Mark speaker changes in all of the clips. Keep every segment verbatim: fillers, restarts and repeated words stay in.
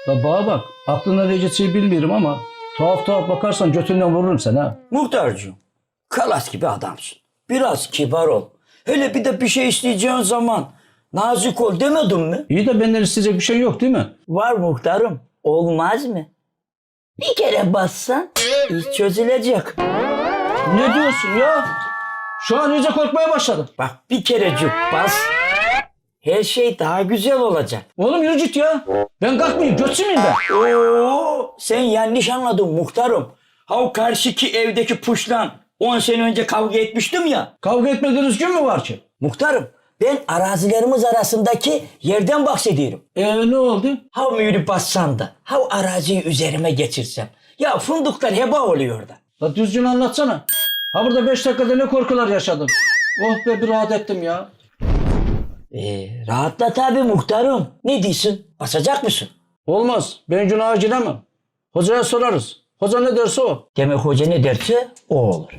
Speaker 1: Ya bana bak, aklına ne geçeceği bilmiyorum ama tuhaf tuhaf bakarsan götünden vururum seni ha.
Speaker 2: Muhtarcığım, kalas gibi adamsın. Biraz kibar ol. Hele bir de bir şey isteyeceğin zaman nazik ol demedim mi?
Speaker 1: İyi de benden isteyecek bir şey yok değil mi?
Speaker 2: Var muhtarım. Olmaz mı? Bir kere bassan iş çözülecek.
Speaker 1: Ne diyorsun ya? Şu an iyice korkmaya başladım.
Speaker 2: Bak bir kerecik bas. Her şey daha güzel olacak.
Speaker 1: Oğlum yürü git ya. Ben kalkmayayım, götçü müyüm ben?
Speaker 2: Oo, sen yanlış anladın muhtarım. Ha o karşıki evdeki puşlan on sene önce kavga etmiştim ya.
Speaker 1: Kavga etmediğiniz gün mü var ki?
Speaker 2: Muhtarım ben arazilerimiz arasındaki yerden bahsediyorum.
Speaker 1: Ee ne oldu?
Speaker 2: Ha mühürü bassan da ha o araziyi üzerime geçirsem. Ya fındıklar heba oluyor da.
Speaker 1: La düzgün anlatsana. Ha burada beş dakikada ne korkular yaşadım. Oh be bir rahat ettim ya.
Speaker 2: Ee, rahatla tabii muhtarım. Ne diyorsun? Basacak mısın?
Speaker 1: Olmaz. Ben günaha giremem. Hocaya sorarız. Hoca ne derse o.
Speaker 2: Demek hoca ne derse o olur.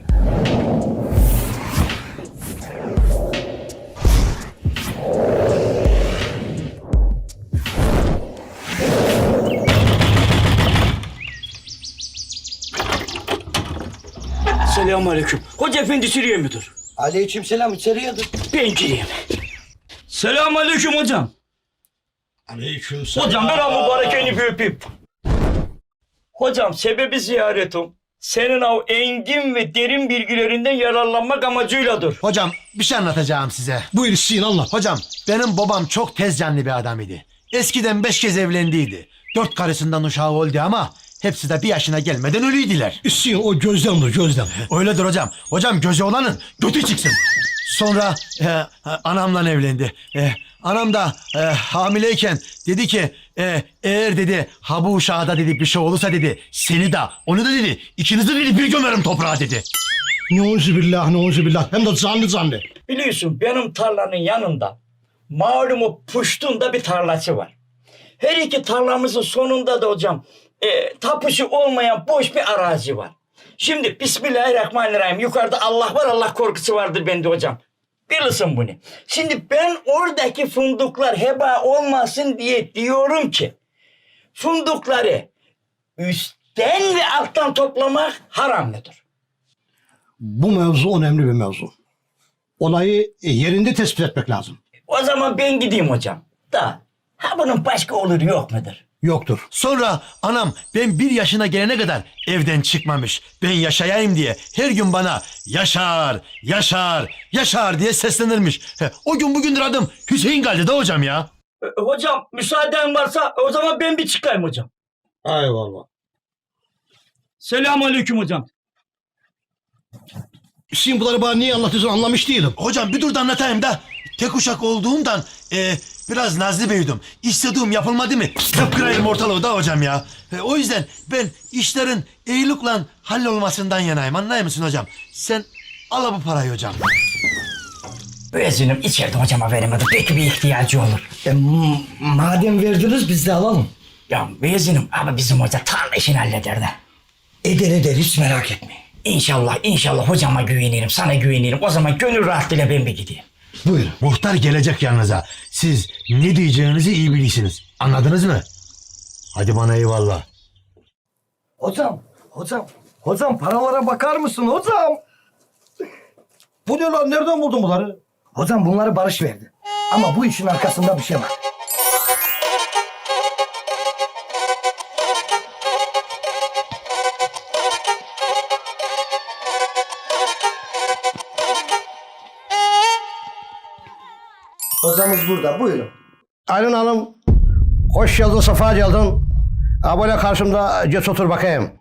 Speaker 2: Selamünaleyküm. Hoca efendi sürüyor mudur?
Speaker 3: Aleykümselam, içeriye dur.
Speaker 2: Ben gireyim. Selamünaleyküm hocam.
Speaker 3: Aleykümselam.
Speaker 2: Hocam ben o mübarekeni bir öpeyim. Hocam sebebi ziyaretim senin o engin ve derin bilgilerinden yararlanmak amacıyladır.
Speaker 4: Hocam bir şey anlatacağım size.
Speaker 3: Buyur Hüseyin, anlat.
Speaker 4: Hocam benim babam çok tez canlı bir adam idi. Eskiden beş kez evlendiydi. Dört karısından uşağı oldu ama hepsi de bir yaşına gelmeden ölüydüler.
Speaker 3: Hüseyin o gözlemdir, gözlem.
Speaker 4: Öyledir hocam. Hocam gözü olanın götü çıksın. Sonra e, anamla evlendi. E, anam da e, hamileyken dedi ki e, eğer dedi ha bu uşağa da dedi bir şey olursa dedi seni de onu da dedi ikinizi dedi bir gömerim toprağa dedi.
Speaker 3: Neuzubillah, neuzubillah. Hem de canlı canlı.
Speaker 2: Biliyorsun benim tarlanın yanında malum o Puştun'da bir tarlası var. Her iki tarlamızın sonunda da hocam e, tapusu olmayan boş bir arazi var. Şimdi Bismillahirrahmanirrahim yukarıda Allah var Allah korkusu vardır bende hocam. Bilirsin bunu. Şimdi ben oradaki fındıklar heba olmasın diye diyorum ki fındıkları üstten ve alttan toplamak haram mıdır?
Speaker 3: Bu mevzu önemli bir mevzu. Olayı yerinde tespit etmek lazım.
Speaker 2: O zaman ben gideyim hocam. Da ha bunun başka olur yok mudur?
Speaker 3: Yoktur.
Speaker 4: Sonra anam ben bir yaşına gelene kadar evden çıkmamış. Ben yaşayayım diye her gün bana Yaşar, Yaşar, Yaşar diye seslenirmiş. He, o gün bugündür adım Hüseyin geldi de hocam ya.
Speaker 2: E, hocam müsaaden varsa o zaman ben bir çıkayım hocam.
Speaker 3: Eyvallah.
Speaker 2: Selamünaleyküm hocam.
Speaker 3: Hüseyin bunları bana niye anlatıyorsun anlamış değilim.
Speaker 4: Hocam bir dur da anlatayım da. Tek uşak olduğumdan e, biraz nazlı büyüdüm. İstediğim yapılmadı mı? Kıpkırayım ortalığı da hocam ya. E, o yüzden ben işlerin iyilikle hallolmasından yanayım. Anlıyor musun hocam? Sen al bu parayı hocam.
Speaker 2: Özünüm içeride hocama veremedi. Belki bir ihtiyacı olur.
Speaker 3: E, madem verdiniz biz de alalım.
Speaker 2: Ya Bezin'im ama bizim hoca tarla işini halleder de.
Speaker 3: Eder eder, hiç merak etmeyin.
Speaker 2: İnşallah inşallah hocama güvenirim sana güvenirim. O zaman gönül rahatlığıyla ben bir gideyim.
Speaker 3: Buyurun.
Speaker 4: Muhtar gelecek yanınıza. Siz ne diyeceğinizi iyi bilirsiniz. Anladınız mı? Hadi bana eyvallah.
Speaker 3: Hocam, hocam, hocam paralara bakar mısın hocam? Bu ne lan, nereden buldun bunları? Hocam bunları Barış verdi. Ama bu işin arkasında bir şey var. Hocamız burada, buyurun. Aylin Hanım, hoş geldin, safa geldin. Ha böyle karşımda geç otur bakayım.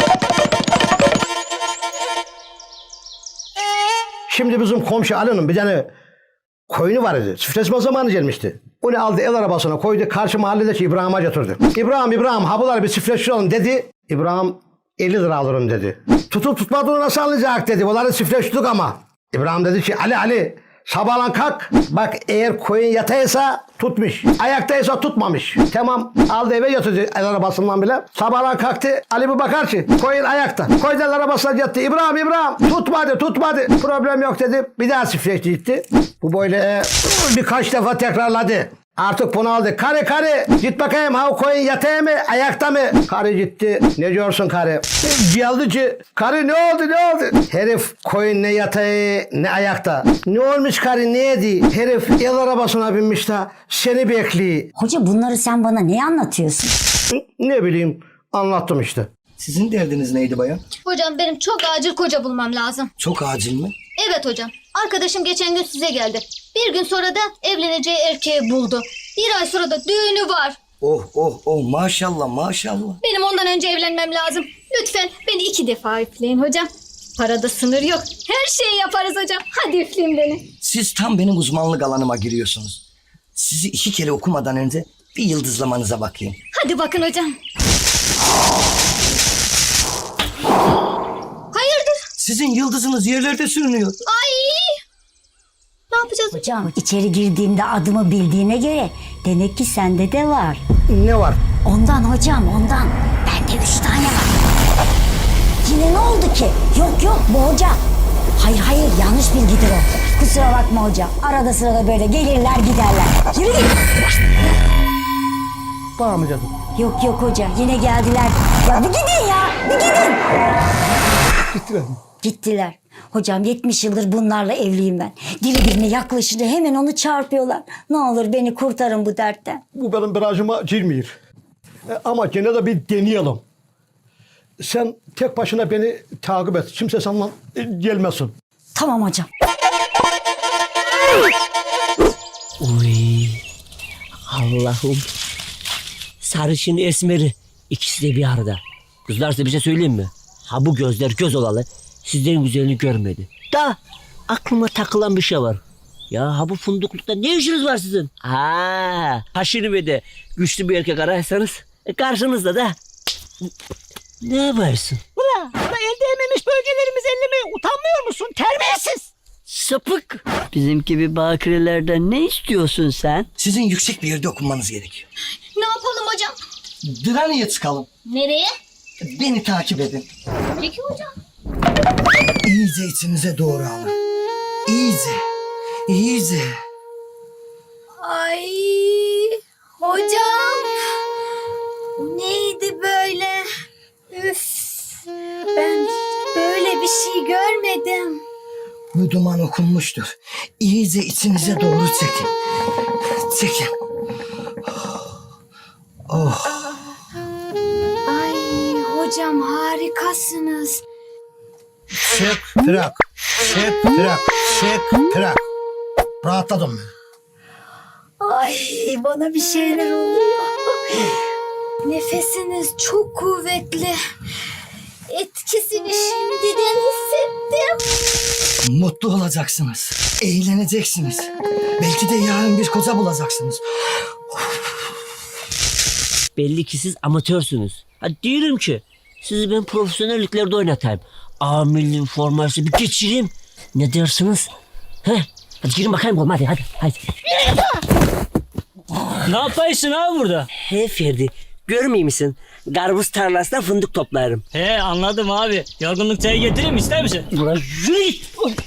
Speaker 3: Şimdi bizim komşu Ali'nin bir tane koyunu var idi. Çiftleşme zamanı gelmişti. Onu aldı el arabasına koydu, karşı mahalledeki İbrahim'e götürdü. İbrahim, İbrahim ha bunları bir çiftleştirelim dedi. İbrahim elli lira alırım dedi. Tutup tutmadığını nasıl anlayacak dedi. Bunları çiftleştirdik ama. İbrahim dedi ki Ali Ali sabahlan kalk. Bak eğer koyun yataysa tutmuş. Ayaktaysa tutmamış. Tamam aldı eve götürdü el arabasından bile. Sabahlan kalktı. Ali bir bakar ki koyun ayakta. Koyun el arabasına yattı. İbrahim İbrahim tutmadı tutmadı. Problem yok dedi. Bir daha çiftleşti gitti. Bu böyle birkaç defa tekrarladı. Artık bunaldı. Karı karı git bakayım ha koyun yatağı mı ayakta mı? Karı gitti. Ne diyorsun karı? Geldici. Karı ne oldu ne oldu? Herif koyun ne yatağı ne ayakta. Ne olmuş karı ne yedi? Herif el arabasına binmiş de seni bekliyor.
Speaker 5: Hoca bunları sen bana ne anlatıyorsun?
Speaker 3: Ne bileyim anlattım işte.
Speaker 6: Sizin derdiniz neydi bayan?
Speaker 7: Hocam benim çok acil koca bulmam lazım.
Speaker 6: Çok acil mi?
Speaker 7: Evet hocam. Arkadaşım geçen gün size geldi. Bir gün sonra da evleneceği erkeği buldu. Bir ay sonra da düğünü var.
Speaker 6: Oh oh oh maşallah maşallah.
Speaker 7: Benim ondan önce evlenmem lazım. Lütfen beni iki defa üfleyin hocam. Parada sınır yok. Her şeyi yaparız hocam. Hadi üfleyin beni.
Speaker 6: Siz tam benim uzmanlık alanıma giriyorsunuz. Sizi iki kere okumadan önce bir yıldızlamanıza bakayım.
Speaker 7: Hadi bakın hocam. Hayırdır?
Speaker 6: Sizin yıldızınız yerlerde sürünüyor.
Speaker 7: Ay! Ne yapacağız?
Speaker 5: Hocam içeri girdiğimde adımı bildiğine göre demek ki sende de var.
Speaker 3: Ne var?
Speaker 5: Ondan hocam ondan. Bende üç tane var. Yine ne oldu ki? Yok yok bu hoca. Hayır hayır yanlış bilgidir o. Kusura bakma hocam. Arada sırada böyle gelirler giderler. Yürü git.
Speaker 3: Bana mı canım?
Speaker 5: Yok yok hoca yine geldiler. Ya bir gidin ya bir gidin.
Speaker 3: Gittiler mi?
Speaker 5: Gittiler. Hocam yetmiş yıldır bunlarla evliyim ben. Diri birine yaklaşınca hemen onu çarpıyorlar. Ne olur beni kurtarın bu dertten.
Speaker 3: Bu benim barajıma girmiyor. E, ama gene de bir deneyelim. Sen tek başına beni takip et. Kimse senden e, gelmesin.
Speaker 5: Tamam hocam.
Speaker 8: Uy, Allah'ım. Sarışın esmeri. İkisi de bir arada. Kızlar size bir şey söyleyeyim mi? Ha bu gözler göz olalı. Sizden güzelini görmedi. Da aklıma takılan bir şey var. Ya ha bu funduklukta ne işiniz var sizin? Ha, haşini ve de güçlü bir erkek ararsanız e, karşınızda da ne varsın? Ula, ula elde ememiş bölgelerimiz ellemeye utanmıyor musun? Terbiyesiz. Sapık. Bizim gibi bakirelerden ne istiyorsun sen?
Speaker 6: Sizin yüksek bir yerde okunmanız gerekiyor.
Speaker 7: Ne yapalım hocam?
Speaker 6: Diraniye çıkalım.
Speaker 7: Nereye?
Speaker 6: Beni takip edin.
Speaker 7: Peki hocam.
Speaker 6: İyice içinize doğru alın. İyice. İyice.
Speaker 7: Ay hocam. Bu neydi böyle? Üf. Ben hiç böyle bir şey görmedim.
Speaker 6: Bu duman okunmuştur. İyice içinize doğru çekin. Çekin. Oh.
Speaker 7: Ay hocam harikasınız.
Speaker 3: Çek, trak. Çek, trak. Çek, trak. Rahatladım ben.
Speaker 7: Ay bana bir şeyler oluyor. Nefesiniz çok kuvvetli. Etkisini şimdiden hissettim.
Speaker 6: Mutlu olacaksınız. Eğleneceksiniz. Belki de yarın bir koca bulacaksınız.
Speaker 8: Belli ki siz amatörsünüz. Ha diyorum ki sizi ben profesyonelliklerde oynatayım. A milli forması bir geçireyim. Ne dersiniz? He? Hadi girin bakayım oğlum hadi hadi. hadi.
Speaker 9: Ne yapıyorsun abi burada?
Speaker 8: He Ferdi görmüyor musun? Karpuz tarlasına fındık toplarım.
Speaker 9: He anladım abi. Yorgunluk çayı getireyim ister misin?
Speaker 8: Ulan yürü git.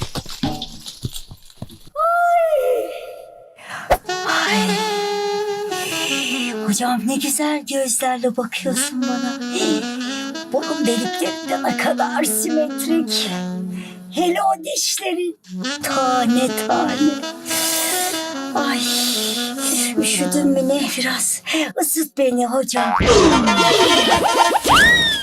Speaker 5: Hocam ne güzel gözlerle bakıyorsun bana. Burun deliklerin de ne kadar simetrik. Hele o dişlerin tane tane. Ay üşüdün mü ne biraz? Isıt beni hocam.